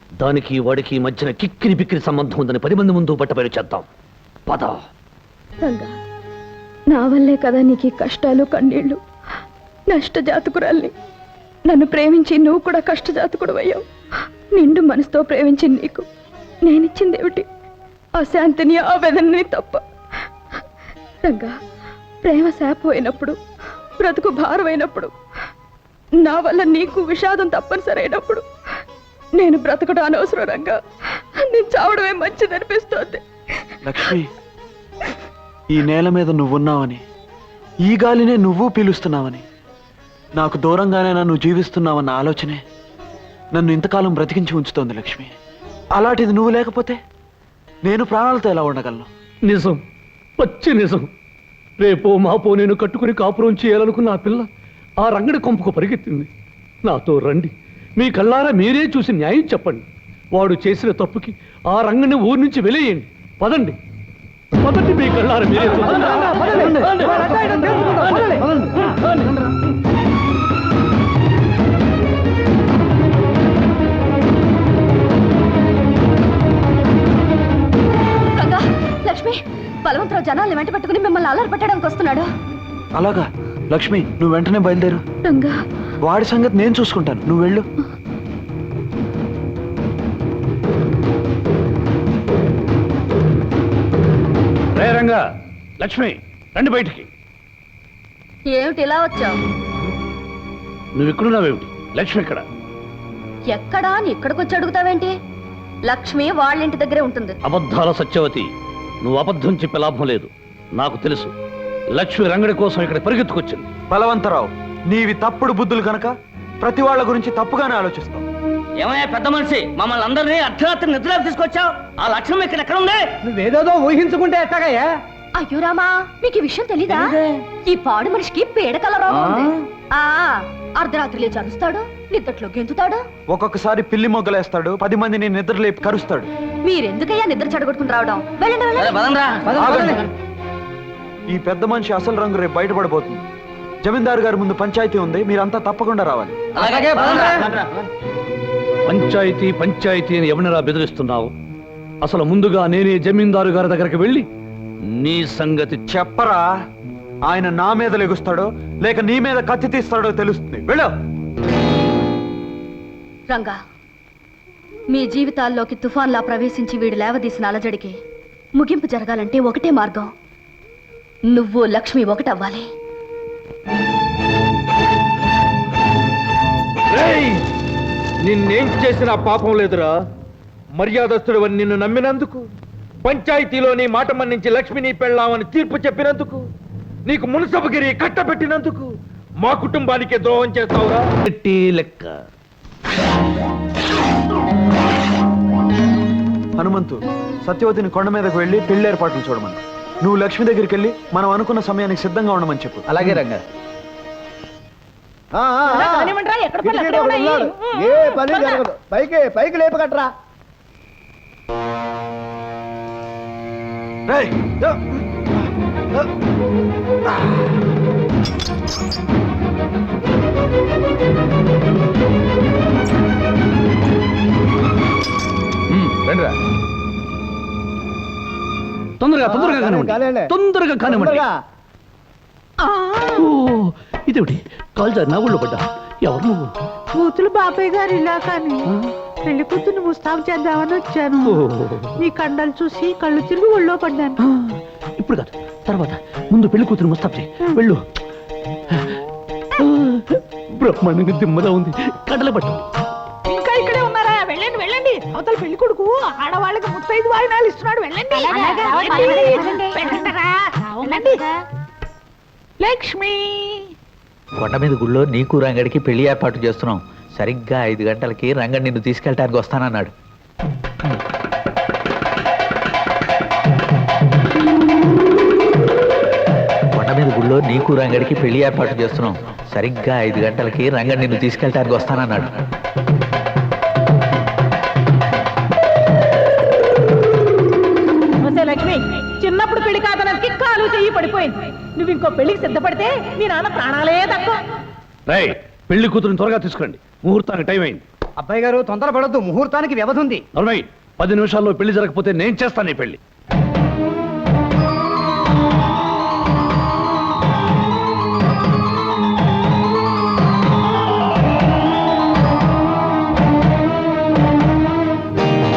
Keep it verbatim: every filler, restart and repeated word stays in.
దానికి వాడికి మధ్యన కిక్కిరి బిక్కిరి సంబంధం ఉందని పది మంది ముందు బట్టబయలు చేద్దాం. పద. రంగా, నా వల్లే కదా నీకు కష్టాలు కన్నీళ్లు. నష్టజాతకురాల్ని. నన్ను ప్రేమించి నువ్వు కూడా కష్టజాతకుడు అయ్యావు. నిండు మనసుతో ప్రేమించి నీకు నేనిచ్చిందేమిటి? ఆ శాంతిని, ఆ వేదనని తప్ప. రంగా, ప్రేమ శాపమైనప్పుడు, బ్రతుకు భారమైనప్పుడు, నా వల్ల నీకు విషాదం తప్పనిసరైనప్పుడు నేను బ్రతకడం అనవసరం. రంగా, నేను చావడమే మంచిదనిపిస్తోంది. లక్ష్మి, ఈ నేల మీద నువ్వున్నావని, ఈ గాలినే నువ్వు పీలుస్తున్నావని, నాకు దూరంగానే నన్ను జీవిస్తున్నావన్న ఆలోచనే నన్ను ఇంతకాలం బ్రతికించి ఉంచుతోంది లక్ష్మి. అలాంటిది నువ్వు లేకపోతే నేను ప్రాణాలతో ఎలా ఉండగలను? నిజం, పచ్చి నిజం. రేపో మాపో నేను కట్టుకుని కాపురం చేయాలనుకున్న ఆ పిల్ల ఆ రంగడి కొంపకు పరిగెత్తింది. నాతో రండి, మీ కళ్ళారా మీరే చూసి న్యాయం చెప్పండి. వాడు చేసిన తప్పుకి ఆ రంగడిని ఊరి నుంచి వెలేయండి. పదండి, పదండి, మీ కళ్ళారా మీరే లక్ష్మి, బలవంతరావు జనాల్ని వెంట పెట్టుకుని మిమ్మల్ని అల్లరి పెట్టడానికి వస్తున్నాడు. అలాగా? లక్ష్మి, నువ్వు వెంటనే బయలుదేరు. రంగా, వాడి సంగతి నేను చూసుకుంటాను, నువ్వు వెళ్ళు. రే రంగా, లక్ష్మి, రండి బయటికి. ఏమిటి ఇలా వచ్చావు? నువ్వు ఇక్కడున్నావేమిటి? లక్ష్మి ఎక్కడ? ఎక్కడా అని ఇక్కడికి వచ్చి అడుగుతావేంటి? లక్ష్మి వాళ్ళింటి దగ్గరే ఉంటుంది. అబద్ధాల సత్యవతి, నువ్వు అబద్ధం చెప్పే లాభం లేదు. నాకు తెలుసు, లక్ష్మి రంగడి కోసం ఇక్కడ పరిగెత్తుకొచ్చింది. బలవంతరావు, నీవి తప్పుడు బుద్ధులు కనుక ప్రతి వాళ్ళ గురించి తప్పుగానే ఆలోచిస్తావు. ఏమయ్యా పెద్ద మనిషి, మమ్మల్ని అందరినీ అర్ధరాత్రి నిద్రలోకి తీసుకొచ్చావు. ఆ లక్ష్యం ఇక్కడ ఎక్కడ ఉంది? నువ్వేదో ఊహించుకుంటే ఎట్టాగయ్యా? అయ్యో రామా, మీకు ఈ విషయం తెలీదా? ఈ పాడు మనిషికి పేడకల రోగం ఉంది. ఆ అర్ధరాత్రి లేచి అరుస్తాడు, నిద్రలో గెంతుతాడు, ఒక్కొక్కసారి పిల్లి మొగ్గలేస్తాడు, పది మందిని నిద్ర లేపి కరుస్తాడు. మీరెందుకయ్యా నిద్ర చెడగొట్టుకుని రావడం? వెళ్ళండి, వెళ్ళండి. ఆగండి. ఈ పెద్ద మనిషి అసలు రంగు రేపు బయటపడబోతుంది. జమీందారు గారి ముందు పంచాయతీ ఉంది, మీరంతా తప్పకుండా రావాలి. పంచాయతీ పంచాయతీ అని ఎవరినరా బెదిరిస్తున్నావు? అసలు ముందుగా నేనే జమీందారు గారి దగ్గరికి వెళ్ళి నీ సంగతి చెప్పరా. ఆయన నా మీద లెగుస్తాడో లేక నీ మీద కత్తి తీస్తాడో తెలుస్తుంది. వెళ్ళు. రంగా, మీ జీవితాల్లోకి తుఫాన్లా ప్రవేశించి వీడు లేవదీసిన అలజడికి ముగింపు జరగాలంటే ఒకటే మార్గం. నువ్వు లక్ష్మి ఒకటవ్వాలి. నిన్నేం చేసిన పాపం లేదురా. మర్యాదస్తుడు అని నిన్ను నమ్మినందుకు, పంచాయతీలోని మాట మన్నించి లక్ష్మిని పెళ్ళామని తీర్పు చెప్పినందుకు, నీకు మున్సబగిరి కట్టబెట్టినందుకు మా కుటుంబానికి ద్రోహం చేస్తావురా. లెక్క. హనుమంతు, సత్యవతిని కొండ మీదకు వెళ్ళి పెళ్లి ఏర్పాట్లు చూడమని, నువ్వు లక్ష్మి దగ్గరికి వెళ్ళి మనం అనుకున్న సమయానికి సిద్ధంగా ఉండమని చెప్పు. అలాగే రంగా. ఏ పని జరగదు. పైకి పైకి లేపకట్రా. రండిరా, తొందరగా తొందరగా కానివ్వండి, తొందరగా కానివ్వండి. ఇదేమిటి కాల్జా నా ఊళ్ళో పడ్డా? ఎవరు నువ్వు? కూతురు బాబాయ్ గారు ఇలా కానీ పెళ్లి కూతురు ముస్తాబు చేద్దామని వచ్చాను. నీ కండలు చూసి కళ్ళు తిరిగి ఒళ్ళో పడ్డాను. ఇప్పుడు కాదు, తర్వాత. ముందు పెళ్లి కూతురు ముస్తాబు చేయి. వెళ్ళు. బ్రహ్మాండంగా దిమ్మలా ఉంది, కడల పట్టు. ఇంకా ఇక్కడే ఉన్నారా? వెళ్ళండి వెళ్ళండి. అవతల పెళ్లి కొడుకు ఆడవాళ్ళకి ముత్తైదు వాయినాలు ఇస్తున్నాడు. వెళ్ళండి. లక్ష్మి, కొండ మీద గుళ్ళో నీకు రంగడికి పెళ్లి ఏర్పాటు చేస్తున్నాం. సరిగ్గా ఐదు గంటలకి రంగడి నిన్ను తీసుకెళ్ళటానికి వస్తానన్నాడు. కొండ మీద గుళ్ళో నీకు రంగడికి పెళ్లి ఏర్పాటు చేస్తున్నాం. సరిగ్గా ఐదు గంటలకి రంగడి నిన్ను తీసుకెళ్ళటానికి వస్తానన్నాడు. లక్ష్మి, చిన్నప్పుడు పెళ్లి కాదనకి కాలు చెయ్యి పడిపోయింది. నువ్వు ఇంకో పెళ్లికి సిద్ధపడితే నీ నాన్న ప్రాణాలే తక్కువ. పెళ్లి కూతురుని త్వరగా తీసుకురండి, ముహూర్తానికి టైం అయింది. అబ్బాయి గారు తొందరపడొద్దు, ముహూర్తానికి వ్యవధి ఉంది. నలభై పది నిమిషాల్లో పెళ్లి జరగకపోతే నేను చేస్తాను ఈ పెళ్లి.